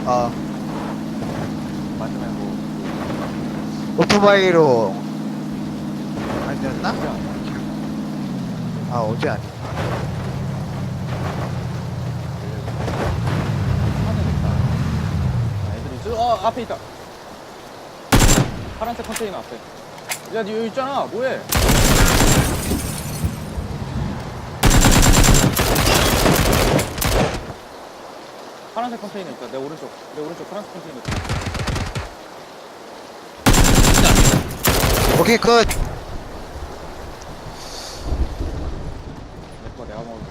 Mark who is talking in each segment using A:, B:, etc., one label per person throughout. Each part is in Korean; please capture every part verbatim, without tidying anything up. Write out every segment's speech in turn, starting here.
A: 어,
B: 마지막에 뭐
A: 오토바이로 아니었나?
B: 그게 아니야.
A: 아, 어제 아니.
B: 하늘 있다. 아, 애들이 있어. 어, 앞에 있다. 파란색 컨테이너 앞에. 야, 니 여기 있잖아. 뭐해? 파란색 컨테이너 있다. 내 오른쪽. 내 오른쪽 파란색 컨테이너 있다.
A: 오케이, 굿.
B: 내 거 내가 먹을게.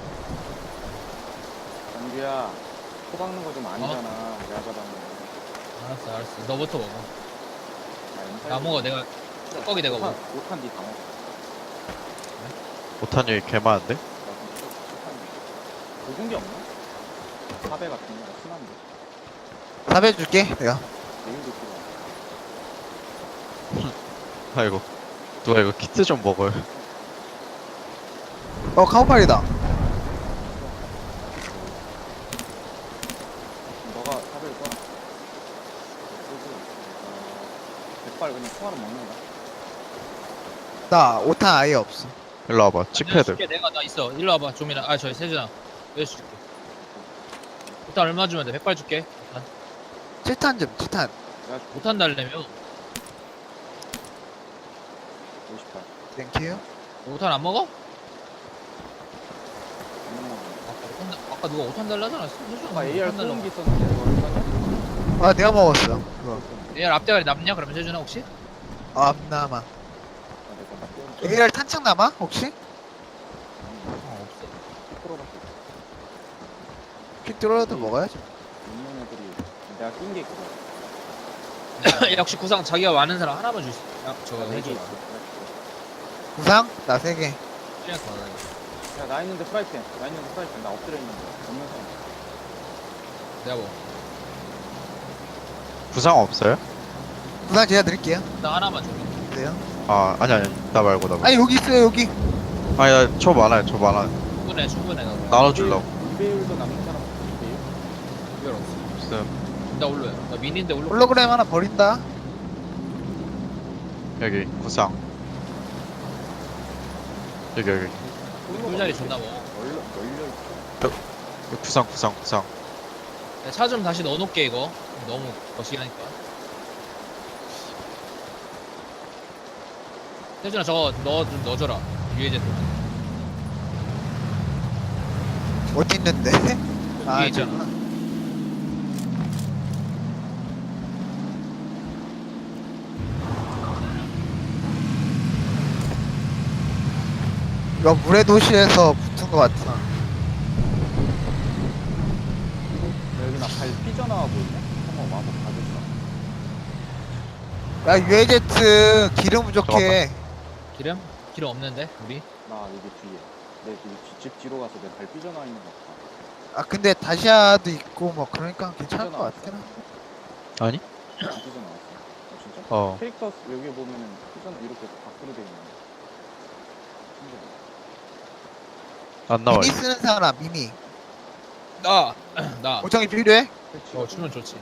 B: 연규야, 코 박는 거 좀 아니잖아. 내가 잡았는 거.
C: 알았어 알았어 너부터 먹어.
B: 야, 인사이드
C: 나 먹어 내가 뚜껑이 내가 먹어.
B: 오탄 니다 먹어.
D: 오탄이 개 많은데?
B: 나 진짜 오탄. 굵은 게 없나? 사배 같은 거 순한데.
A: 사배 줄게, 내가.
B: 내일도 필요해.
D: 아이고 누가 이거 키트 좀 먹어요.
A: 어, 카우팔이다.
B: 너가 사배를 써라. 쓰고, 어, 백발 그냥 총알은 먹는다.
A: 나 오탄 아예 없어.
D: 일로 와봐.
C: 내가
D: 칩패드.
C: 줄게 내가 나 있어. 일로 와봐 좀이나. 아 저기 세준아. 내가 줄게. 일단 얼마 주면 돼? 백발 줄게. 일단.
A: 칠탄 좀, 칠탄.
B: 내가 줄게.
C: 못한 달래면
B: 오십 발.
A: 땡큐.
C: 오탄 안 먹어?
B: 안 먹는 거.
C: 아까 오탄 달- 아까 누가 오탄 달라잖아. 세준아
B: 아까 에이알
C: 오탄 달라고.
B: 소음기 있었는데 그거 얼마냐?
A: 아, 내가 먹었어. 그거.
C: 에이알 앞대가리 남냐? 그러면 세준아 혹시?
A: 아, 안 남아.
B: 아, 내가 나 띄워놓은
A: 에이알 탄창 남아? 혹시?
C: 어 없어.
B: 십 퍼센트밖에 없어.
A: 피 뚫어도 먹어야지.
B: 있는 애들이 내가 낀 게 그거야.
C: 역시 구상 자기가 많은 사람 하나만 줄 수. 야 저거
B: 내가
C: 해줘.
B: 네 개 있어.
A: 구상? 나 세 개.
C: 그냥 더.
B: 야, 나 있는데 프라이팬. 나 있는데 프라이팬. 나 엎드려 있는데. 없는 사람.
C: 내가 뭐.
D: 부상 없어요?
A: 구상 제가 드릴게요.
C: 나 하나만 줘.
A: 그래요?
D: 아 아니 아니 나 말고 나 말고.
A: 아니, 여기 있어요, 여기.
D: 아니 나저 많아요 저 많아.
C: 충분해 충분해 나.
D: 나눠주려고.
B: 이배율도 남는 사람 없어. 이배율?
C: 이별 없어.
D: 없음.
C: 나 올로야. 나 미니인데 올로.
A: 홀로그램 하나 버린다.
D: 여기 구상. 여기 여기.
C: 꿀자리 존나 먹어.
B: 널려, 널려 있어.
D: 여기 구상 구상 구상.
C: 차 좀 다시 넣어놓게 이거. 너무 거시기하니까. 세준아 저거 넣어 좀 넣어줘라. 유해제 도
A: 어디 있는데? 아,
C: 위에 있잖아.
A: 저구나. 이거 물의 도시에서 붙은 것 같아.
B: 여기 나 발 삐져나와 보이네? 한번 와서 봐주자.
A: 야, 유에제트 기름 부족해.
C: 기름? 기름 없는데 우리?
B: 나 여기 뒤에. 내 뒤, 뒤- 집 뒤로 가서 내 발 삐져나와 있는 거 같아.
A: 아, 근데 다시아도 있고 뭐 그러니까 괜찮을 것 같긴 하.
D: 아니?
B: 안 삐져나왔어. 아, 진짜?
D: 어.
B: 캐릭터 여기 보면은 삐져나 이렇게 밖으로 돼 있는
D: 안 나와요.
A: 미니 쓰는 사람, 미니.
C: 나! 나!
A: 오정이 필요해?
C: 어 주면 좋지.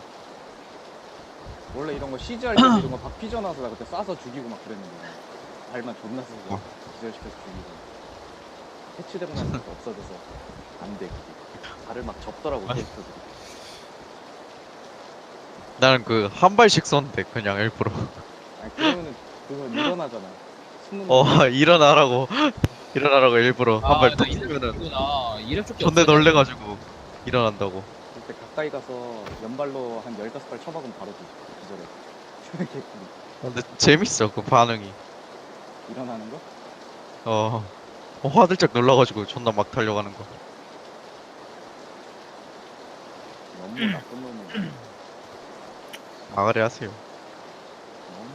B: 원래 이런 거 씨지할 때 이런 거 박 삐져나와서 나 그때 쏴서 죽이고 막 그랬는데 발만 존나 쓰고
D: 어.
B: 기절시켜서 죽이고 해치되고 나니까 없어져서 안돼 그게 발을 막 접더라고
D: 아니.
B: 캐릭터들이.
D: 나는 그 한 발씩 쏜대 그냥 일부러.
B: 아니 그러면은 그건 일어나잖아. 숨는
D: 어
B: 거.
D: 일어나라고 일어나라고 일부러 한 발
C: 나
D: 터뜨리면은
C: 이랬구나. 이럴 줄게
D: 존내
C: 없어.
D: 놀래가지고 일어난다고.
B: 그때 가까이 가서 연발로 한 열다섯 발 쳐박으면 바로 뒤- 기절해. 개꿀.
D: 근데 재밌어 그 반응이.
B: 일어나는 거?
D: 어, 어 화들짝 놀라가지고 존나 막 달려가는 거.
B: 너무 나쁜 놈이.
D: 아가리 하세요.
B: 너무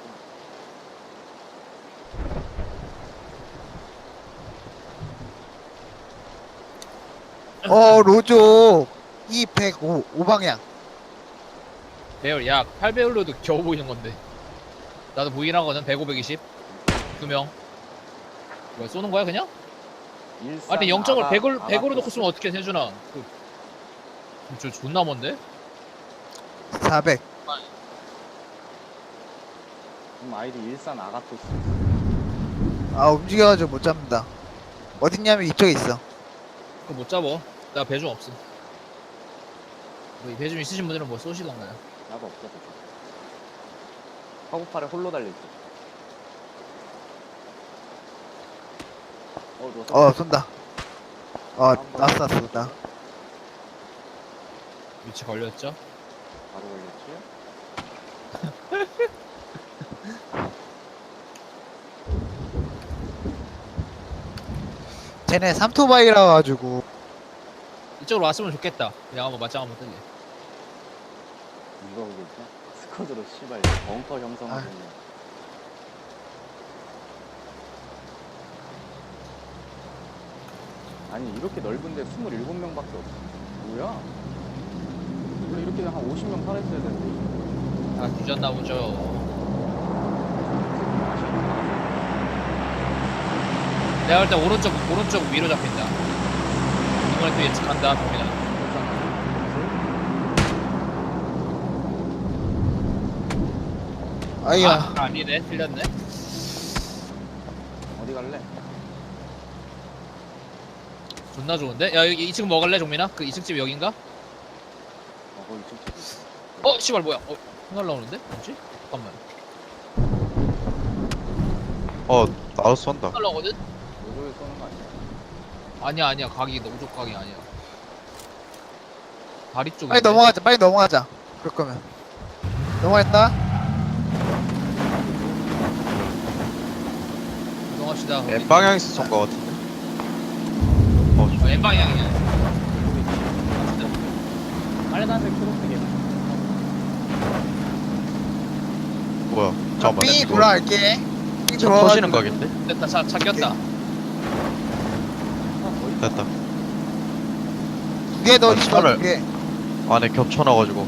A: 어, 로조. 이백오, 오방향.
C: 배열 야 팔 배율로도 겨우 보이는 건데. 나도 보이긴 하거든. 백, 오백이십. 두 명. 뭐야 쏘는 거야 그냥?
B: 일산
C: 아니 영 점을
B: 아가-
C: 백으로
B: 아가
C: 백으로 놓고
B: 버스.
C: 쓰면 어떻게 세준아? 그, 저 존나 먼데?
A: 사백.
B: 그럼 아이디 일산 아가토스.
A: 아 움직여가지고 못 잡는다. 어딨냐면 이쪽에 있어.
C: 그거 못 잡어. 나 배중 없음. 뭐 배중 있으신 분들은 뭐 쏘시던가요.
B: 나도 없어. 허구팔에 홀로 달려있지. 어, 누웠어?
A: 어 쏜다. 어 났어 났어 나.
C: 위치 걸렸죠?
B: 바로 걸렸지?
A: 쟤네 삼토바이라 가지고
C: 이쪽으로 왔으면 좋겠다. 그냥 한번 맞짱 한번 뜨게.
B: 누가 보고 있냐? 스쿼드로 씨발 벙커 형성하고
A: 아.
B: 있네. 아니 이렇게 넓은데 이십칠 명밖에 없어. 뭐야? 원래 이렇게 한 오십 명 살아있어야 되는데.
C: 다 뒤졌나 보죠. 내가 볼 때 오른쪽 오른쪽 위로 잡힌다. 이번에 또 예측한다, 정민아.
A: 아이야.
C: 아, 아니네, 틀렸네.
B: 어디 갈래?
C: 존나 좋은데? 야, 여기 이 층 먹을래, 정민아? 그 이 층 집 여긴가?
B: 어 거기 좀
C: 어, 씨발 뭐야? 어, 날라오는데? 뭐지? 잠깐만.
D: 어 나도 쏜다.
C: 날라오거든?
B: 노조에 쏘는 거 아니야?
C: 아니야, 아니야. 각이 노족 각이 아니야. 다리 쪽에.
A: 빨리 넘어가자. 빨리 넘어가자. 그럴 거면. 넘어갔다.
C: 이동합시다.
D: N 방향에서 쏜 거 같은데. 어
C: 어, N 방향이야.
B: 빨간색 초록색이
D: 뭐야? 잠깐만.
A: 삥
D: 이거
A: 돌아갈게. 삥
D: 차
A: 돌아가지고.
D: 터지는 각인데?
C: 됐다, 차, 차 꼈다.
D: 됐다.
A: 두개 더
D: 아,
A: 있어.
D: 차를-
A: 두 개.
D: 안에 겹쳐놔가지고.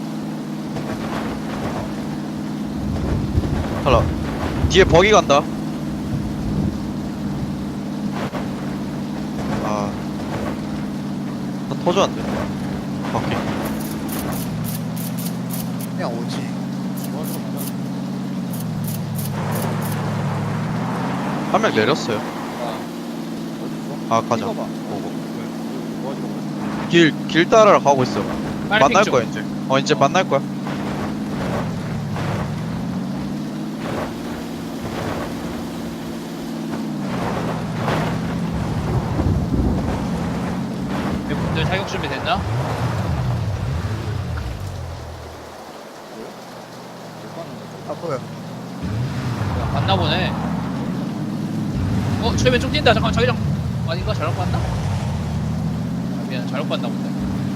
D: 하나. 뒤에 버기 간다. 아. 나 터졌는데. 바퀴.
A: 그냥 오지.
B: 좋아서 가자.
D: 한 명 내렸어요.
B: 어딨어?
D: 아, 가자.
B: 찍어봐.
D: 보고.
B: 뭐 하지러 그래?
D: 길, 길 따라 가고 있어.
C: 빨리
D: 만날
C: 핑
D: 거야,
C: 좀.
D: 이제. 어, 이제 만날 거야.
C: 분들 사격 준비 됐나?
B: 못 봤는데.
A: 아 보여.
C: 야, 봤나 보네. 어, 저기 왼쪽 뛴다. 잠깐, 저기랑 아닌가? 잘못 봤나? 아, 미안, 잘못 봤나 본데.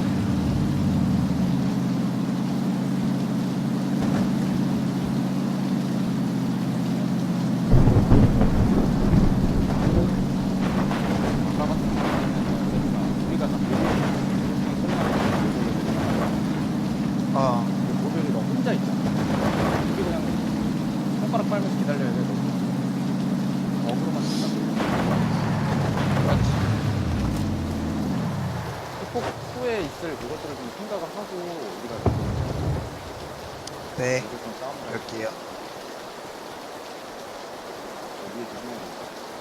B: 아까 같은 경우는 우리가 다
A: 어.
B: 모델이 너 혼자 있잖아. 우리 그냥 손가락 빨면서 기다려야 돼. 너. 어그로만 쓴다. 폭 후에 있을 그것들을 좀 생각을 하고 우리가
A: 네.
B: 무조건 싸움을 할
A: 그럴게요.
B: 위에 조심해야 돼.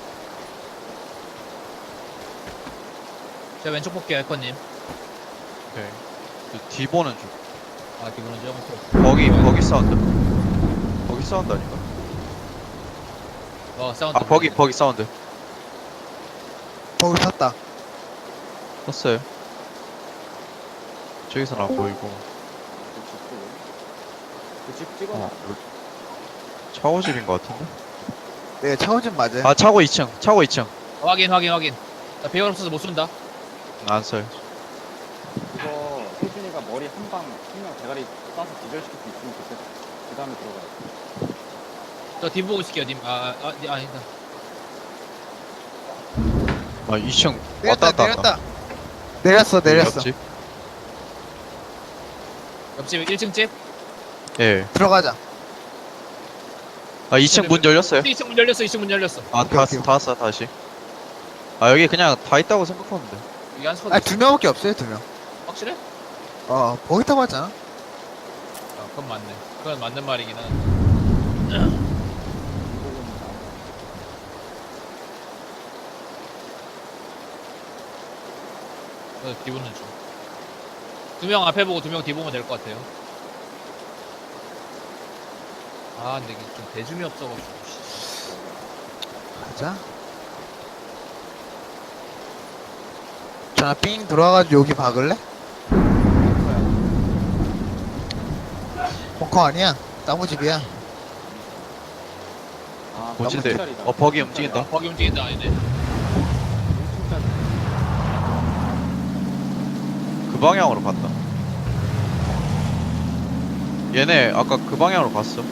C: 제가 왼쪽 볼게요, 에커님.
D: 오케이. 그 뒤 보는 중.
C: 아, 기분은 좀.
D: 버기, 버기 사운드. 버기 사운드 아닌가?
C: 어, 사운드.
D: 아, 버기, 버기 사운드.
A: 거기 탔다.
D: 떴어요. 저기서는 안 보이고.
B: 그집 찍어.
D: 어, 차고집인 것 같은데?
A: 네 차오진 맞아요.
D: 아, 차고 이 층. 차고 이 층.
C: 확인, 확인, 확인. 나 배열 없어서 못 쏜다.
D: 안 써요.
B: 이거 혜준이가 머리 한 방 한 명 대가리 쏴서 기절시킬 수 있으면 좋겠다. 그 다음에 들어가야 돼.
C: 저 뒤 보고 있을게요, 님. 아, 아, 아 아니다.
D: 아, 이 층.
A: 내렸다
D: 왔다 갔다
A: 내렸다. 내렸어 내렸어.
D: 옆집?
C: 옆집 일 층 집?
D: 예.
A: 들어가자.
D: 아, 이 층 문 열렸어요?
C: 이 층 문 열렸어, 이 층 문 열렸어.
D: 아,
A: 오케이,
D: 다,
A: 오케이.
D: 다 왔어, 다시. 아, 여기 그냥 다 있다고 생각하는데.
C: 여기 한 스쿼드.
A: 아두 명밖에 없어요 두 명.
C: 확실해?
A: 어 거기 타고 왔잖아.
C: 그건 맞네. 그건 맞는 말이긴 한데.
B: 이거는 나온
C: 그래서 뒤보는 중. 두 명 앞에 보고 두 명 뒤 보면 될 것 같아요. 아 근데 이게 좀 대중이 없어가지고. 씨.
A: 가자. 자삥 돌아가지고 여기 박을래?
B: 거야.
A: 벙커 아니야? 나무집이야.
B: 아,
D: 뭐지대.
B: 깜짝이다.
D: 어 버기 움직인다.
C: 거기 움직인다 아니네.
B: 진짜
D: 그 방향으로 갔다. 얘네 아까 그 방향으로 갔어.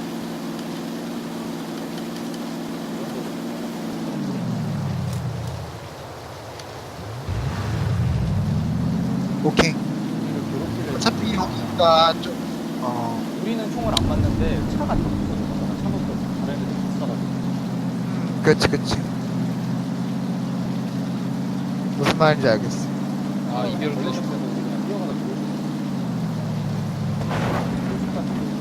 A: 오케이.
B: 우리를 괴롭히려
A: 어차피 여기가 좀, 어,
B: 우리는 총을 안 맞는데 차가 다 붙어서 차 놓고 다른 애들 붙어가지고
A: 음, 그치, 그치. 무슨 말인지 알겠어.
C: 아 이대로
B: 걸렸을
C: 끄고
B: 때도 우리 그냥 뛰어가다 들어올 수 있어.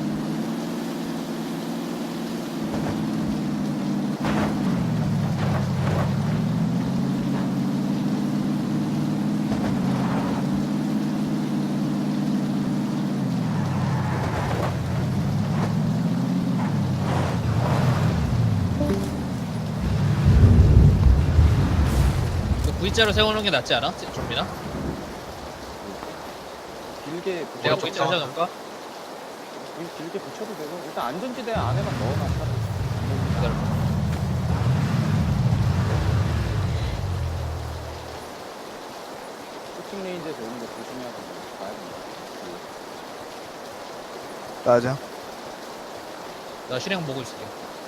C: 그 V자로 세우는 게 낫지 않아? 좀비나?
B: 길게
C: 내가
B: 붙여-
C: V자 세워놓을까?
B: 길- 길게 붙여도 되고 일단 안전지대 안에만 넣어놔 차를.
C: 기다려봐.
B: 슈팅 레인지에서 오는 거 조심해야 된다. 봐야 된다.
A: 맞아.
C: 나 실행 보고 있을게.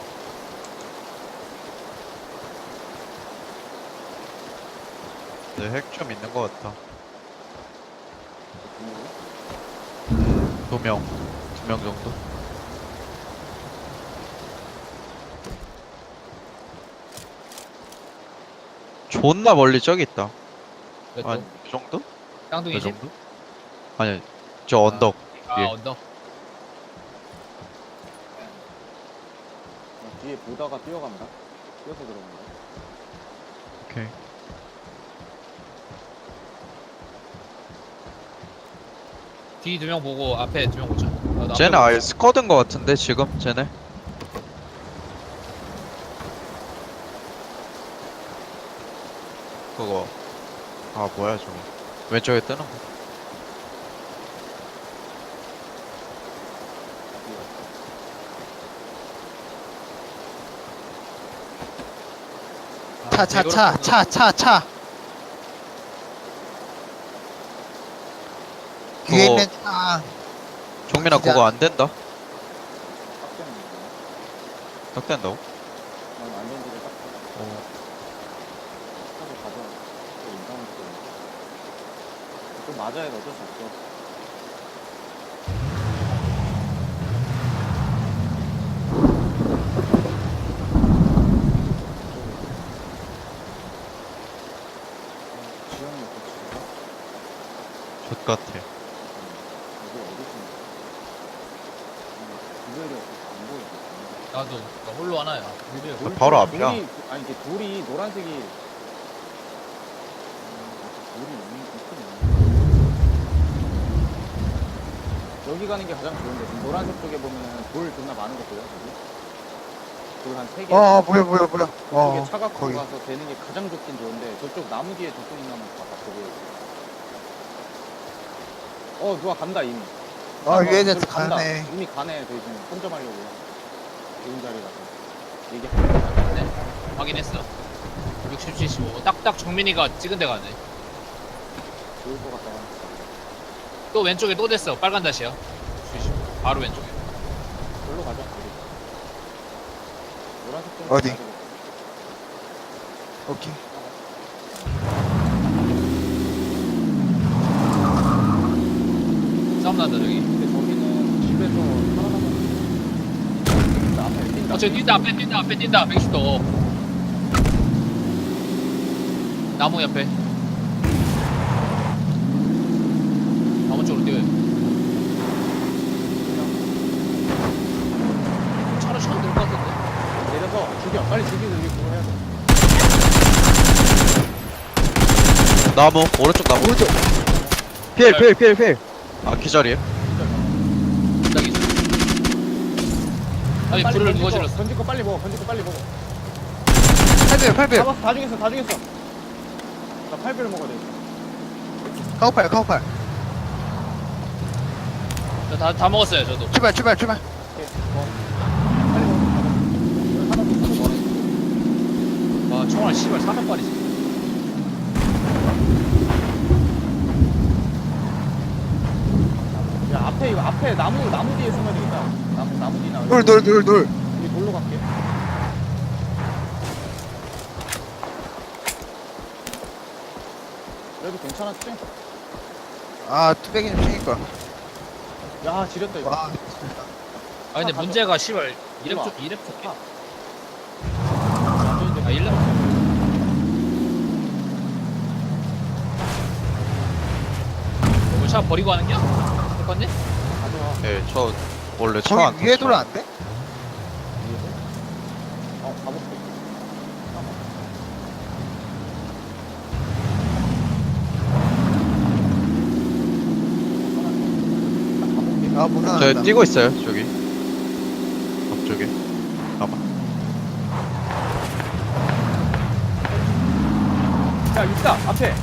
D: 네, 핵 좀 있는 것 같다.
B: 그
D: 두 명, 두 명 정도. 존나 멀리 저기 있다.
C: 몇
D: 한
C: 도?
D: 이 정도?
C: 쌍둥이
D: 이
C: 집?
D: 정도? 아니, 저 언덕.
C: 아
D: 예.
C: 언덕.
B: 뒤에 보다가 뛰어간다. 뛰어서 들어간다.
D: 오케이.
C: 뒤 두 명 보고 앞에 두 명 보자. 나- 나
D: 쟤네
C: 앞에
D: 아예
C: 보자.
D: 스쿼드인 것 같은데 지금 쟤네. 그거 아 뭐야 저거 왼쪽에 뜨는 거.
A: 차, 차, 차, 차, 차, 차. 뒤에
D: 그거-
A: 있는 차.
D: 종민아
A: 진짜.
D: 그거 안 된다.
B: 딱 되는 거야.
D: 딱 된다고?
B: 난 안전지대 딱 돼.
D: 어.
B: 차도 가져. 또 인상을 또. 좀 맞아야 돼. 어쩔 수 없어. 지형이 어떻게
D: 젖 같아.
B: 여기 어디 있는 구별이 없어서 안 보이지.
C: 나도 나 홀로 하나야.
B: 돌-
D: 바로 앞이야.
B: 돌이, 아니 이게 돌이 노란색이 음, 돌이 있는 있긴 여기 가는 게 가장 좋은데 지금 노란색 쪽에 보면 돌 존나 많은 거 보여 여기? 돌 한 세 개.
A: 어, 뭐야, 뭐야, 뭐야.
B: 그쪽에
A: 어,
B: 차 갖고
A: 거기.
B: 가서 되는 게 가장 좋긴 좋은데 저쪽 나무 뒤에 적군 있나 한번 봐봐 거기. 어 누가 간다 이미.
A: 어, 위에
B: 저기
A: 대해서
B: 간다.
A: 가네.
B: 이미 가네 저기 지금 혼점하려고 좋은 자리라서 얘기
C: 네, 확인했어. 육십, 칠십오. 딱딱 정민이가 찍은 데 가네.
B: 좋을 것 같다.
C: 또 왼쪽에 또 됐어. 빨간 다시야. 칠십오. 바로 왼쪽에.
B: 절로 가자. 우리. 노란색 좀
A: 어디?
B: 가지고.
A: 오케이.
C: 싸움 난다 저기.
B: 근데 저기는 집에서 살아남은 앞에 뛴다.
C: 어 저기 뛴다. 앞에 뛴다. 앞에 뛴다. 백십 도. 나무 옆에. 나무 쪽으로 뛰어요.
B: 빨리 죽이고 우리 그거 해야 돼.
D: 나무 오른쪽 나무
A: 오른쪽.
D: 필필필필아 기절이에요?
C: 갑자기. 아니
B: 빨리
C: 불을
B: 건질
C: 누가
B: 거,
C: 질렀어?
B: 건질 거 빨리 먹어. 건질 거 빨리 먹어.
A: 팔 배, 팔 배.
B: 잡았어. 다 죽였어. 다 죽였어. 나 팔 배를 먹어야 돼.
A: 카우팔, 카우팔.
C: 저다 다 먹었어요 저도.
A: 출발, 출발, 출발.
B: 오케이. 뭐. 빨리 먹어. 하나 더 먹어.
C: 와 총알 씨발 사백 발이지.
B: 야 앞에 이거 앞에 나무 나무 뒤에 숨어야 되겠다. 나무 나무 뒤나.
A: 돌, 돌, 돌, 돌.
B: 우리 돌로 갈게. 그래도 괜찮았지?
A: 아, 투백이 좀 생길까.
B: 야 지렸다 이거.
A: 와,
C: 아 근데
B: 가져.
C: 문제가 씨발 이랩
B: 이리
C: 쪽 이랩 쪽.
B: 아.
C: 아 일 렙. 이거 차 버리고 하는 게? 됐겠니?
B: 가져와.
D: 네저 원래 차안
A: 저기 위에 돌 안 돼?
B: 어 가볼게.
A: 아, 못
D: 저
A: 나간다.
D: 뛰고 있어요 저기 앞쪽에 아마
B: 야 있다 앞에.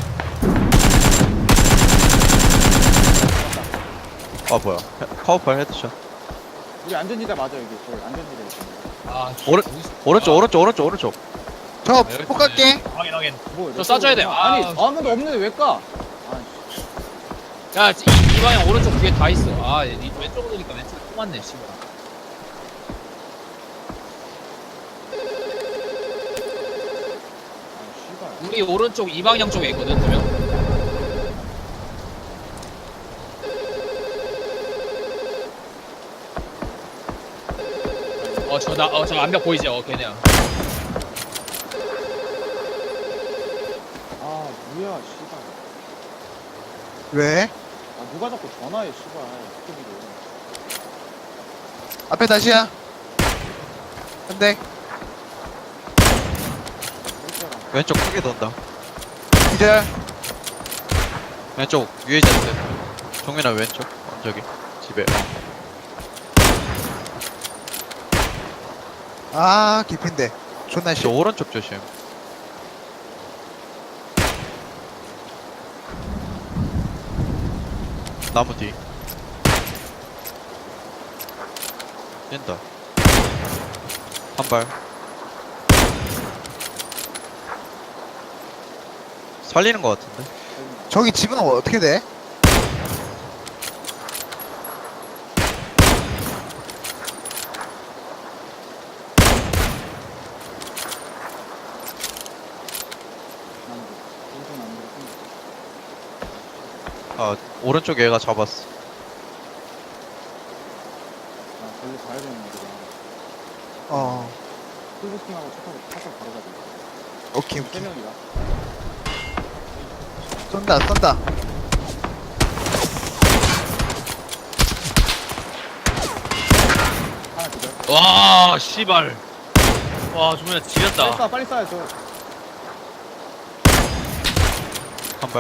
D: 아 뭐야 헤- 카우팔 헤드샷
B: 우리 안전지대 맞아 여기. 저기 안전지대 있어.
C: 아
D: 오른- 오른쪽 오른쪽 오른쪽 오른쪽
A: 저, 폭 갈게.
C: 확인 확인.
B: 뭐,
C: 저 쏴줘야 돼. 아,
B: 아니
C: 씨.
B: 아무도 없는데 왜 까? 아,
C: 야, 이, 이 방향 오른쪽 뒤에 다 있어. 아, 이 왼쪽으로 오니까 왼쪽에 또 맞네, 씨발.
B: 아 씨발.
C: 우리 오른쪽 이 방향 쪽에 있거든, 두 명. 어, 저, 나, 어, 저 암벽 보이지? 어, 걔네야.
B: 아 뭐야 씨발.
A: 왜?
B: 아 누가 자꾸 전화해 씨발. 스토리로.
A: 앞에 다시야. 한 대.
B: 그랬잖아.
D: 왼쪽 크게 돈다
A: 기절.
D: 왼쪽 위에 있는데 정민아 왼쪽 어, 저기 집에 어.
A: 아, 깊인데. 존나
D: 저
A: 싫어.
D: 오른쪽 조심 나무 뒤 뛴다 한발 살리는 것 같은데
A: 저기 집은 어떻게 돼?
B: 남들. 인생 남들.
D: 아 오른쪽 얘가 잡았어
B: 아 저기 가야 되는 거구나.
A: 어,
B: 풀부팅하고 차 타고 차 타고 바로 가야 돼.
A: 오케이,
B: 세
A: 오케이.
B: 명이다.
A: 쏜다, 쏜다.
B: 하나 기절.
C: 와, 씨발. 와, 정말
B: 빨리
C: 지렸다.
B: 쏴 빨리 쏴요 저.
D: 한발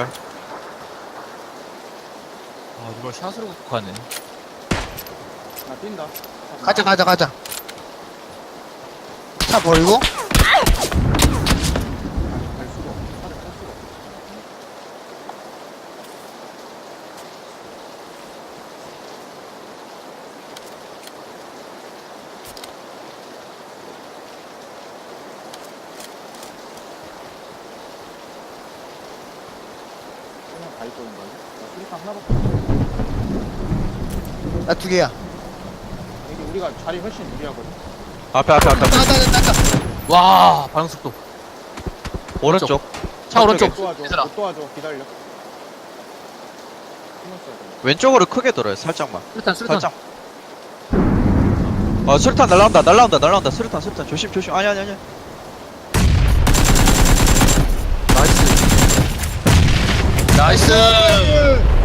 C: 아, 이걸 샷으로 극하네.
B: 나 뛴다.
A: 가자, 가자, 가자. 차 버리고.
B: 갈 수가 없어. 차를 탈 수가 없어. 그냥 다 있거든 거기. 나 수리탄 하나밖에 없어.
A: 나 두 개야.
B: 여기 우리가 자리 훨씬 유리하거든.
D: 앞에 앞에 앞에
A: 나가, 나가, 나가.
C: 와, 반응 속도.
D: 오른쪽
C: 차 오른쪽.
B: 못 도와줘.
C: 얘들아.
B: 못 도와줘. 기다려. 신경 써야 돼.
D: 왼쪽으로 크게 돌아요 살짝만
C: 수류탄, 수류탄.
D: 살짝 아 수류탄 날라온다 날라온다 날라온다 수류탄 수류탄 조심 조심 아니 아니 아니
C: 나이스. 나이스.